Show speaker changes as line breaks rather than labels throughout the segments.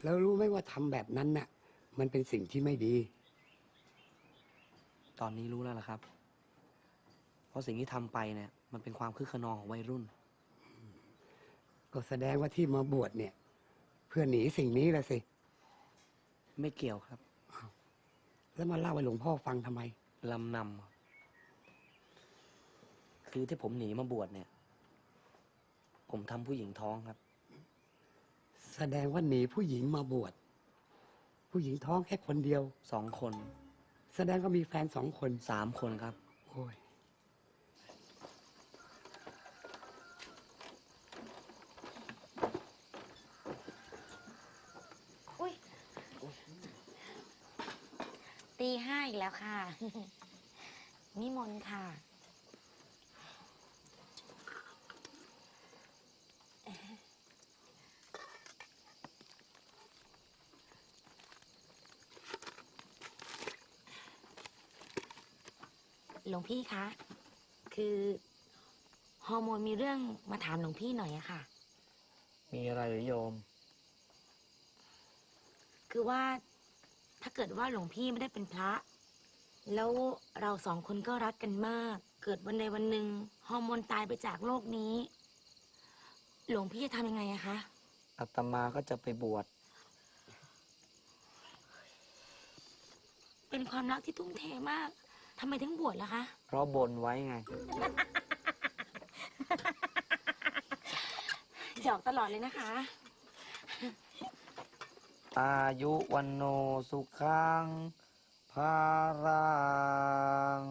แล้วรู้ไหมว่าทำแบบนั้นน่ะมันเป็นสิ่งที่ไม่ดี
ตอนนี้รู้แล้วล่ะครับ เพราะสิ่งที่ทำไปเนี่ยมันเป็นความคึกขนองของวัยรุ่น
ก็แสดงว่าที่มาบวชเนี่ย เพื่อหนีสิ่งนี้ละสิ
ไม่เกี่ยวครับ
แล้วมาเล่าให้หลวงพ่อฟังทำไม
ลำนำคือที่ผมหนีมาบวชเนี่ย ผมทำผู้หญิงท้องครับ
แสดงว่าหนีผู้หญิงมาบวชผู้หญิงท้องแค่คนเดียว
2 คน
แสดงว่ามีแฟน2 คน
3 คนครับ
โอ้ย
อุ้ยตี 5อีกแล้วค่ะ นิมนต์ค่ะ หลวงพี่คะ คือฮอร์โมนมีเรื่องมาถามหลวงพี่หน่อยอะค่ะ
มีอะไรหรือโยม
คือว่าถ้าเกิดว่าหลวงพี่ไม่ได้เป็นพระ แล้วเรา2 คนก็รักกันมาก เกิดวันใดวันหนึ่งฮอร์โมนตายไปจากโลกนี้ หลวงพี่จะทำยังไงอะคะ
อาตมาก็จะไปบวช
เป็นความรักที่ทุ่มเทมากทำไมถึงบวชล่ะคะ
เพราะบนไว้ไง
หยอกตลอดเลยนะคะ
อายุวันโนสุขังภารัง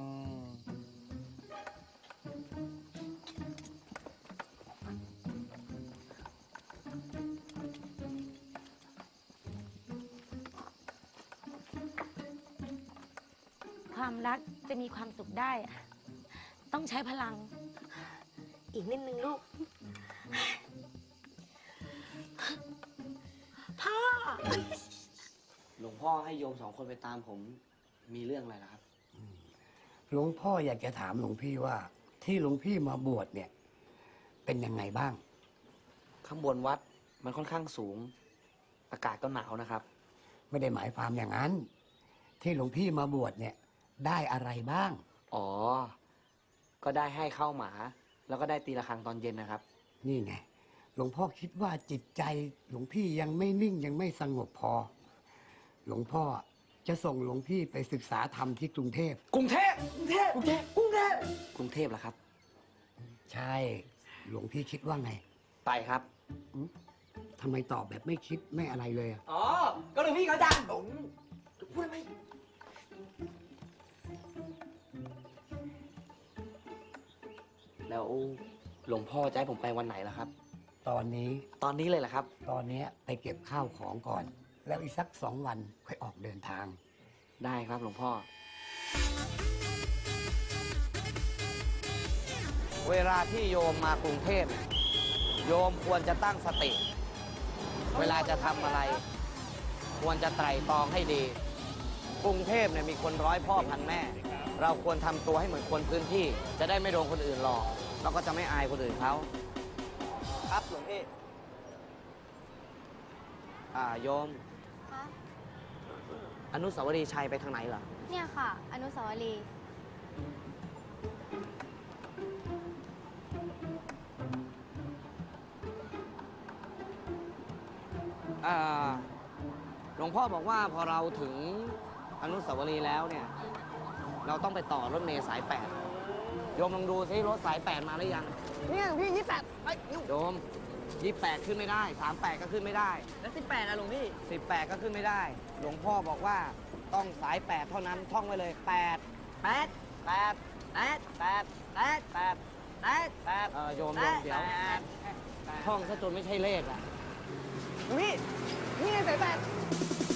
ความรักจะมีความสุขได้อะต้องใช้พลัง อีกนิดนึงลูก พ่อ
หลวงพ่อให้โยม2 คนไปตามผม มีเรื่องอะไรล่ะครับ
หลวงพ่ออยากจะถามหลวงพี่ว่า ที่หลวงพี่มาบวชเนี่ย เป็นยังไงบ้าง
ข้างบนวัดมันค่อนข้างสูง อากาศก็หนาวนะครับ
ไม่ได้หมายความอย่างนั้น ที่หลวงพี่มาบวชเนี่ย ได้อะไรบ้าง
อ๋อ ก็ได้ให้ข้าวหมา แล้วก็ได้ตีระฆังตอนเย็นนะครับ
นี่ไง หลวงพ่อคิดว่าจิตใจหลวงพี่ยังไม่นิ่งยังไม่สงบพอ หลวงพ่อจะส่งหลวงพี่ไปศึกษาธรรมที่กรุงเทพ
กรุงเทพกรุงเทพกรุงเทพกรุงเทพกรุงเทพเหรอครับ
ใช่ หลวงพี่คิดว่าไง
ไปครับ
ทำไมตอบแบบไม่คิดไม่อะไรเลยอะ
อ๋อ ก็หลวงพี่เขาจังพูดไหมแล้วหลวงพ่อจะให้ผมไปวันไหนล่ะครับ
ตอนนี้
ตอนนี้เลยเหรอครับ
ตอนนี้ไปเก็บข้าวของก่อน แล้วอีกสัก2 วันค่อยออกเดินทาง
ได้ครับหลวงพ่อ เวลาที่โยมมากรุงเทพเนี่ยโยมควรจะตั้งสติ เวลาจะทำอะไร ควรจะไตร่ตรองให้ดี กรุงเทพเนี่ยมีคนร้อยพ่อพันแม่ เราควรทำตัวให้เหมือนคนพื้นที่ จะได้ไม่โดนคนอื่นหลอก แล้วก็จะไม่อายคนอื่นเขาครับหลวงพี่โยม
คะ
อนุสาวรีย์ชัยไปทางไหนเหรอ
เนี่ยค่ะ อนุสาวรีย์
หลวงพ่อบอกว่าพอเราถึงอนุสาวรีย์แล้วเนี่ย เราต้องไปต่อรถเมล์สาย 8 โยมลองดูซิรถสาย 8 มาหรือยัง
เนี่ยพี่28ไป
โยม 28 ขึ้นไม่ได้ 38 ก็ขึ้นไม่ได้
แล้ว18อะหลวงพี่
18 ก็ขึ้นไม่ได้ หลวงพ่อบอกว่าต้องสาย 8 เท่านั้นท่องไว้เลย 8
8
8
8
8
8
โยมเดี๋ยวท่องซะจนไม่ใช่เลขอ่ะ
พี่นี่ไง8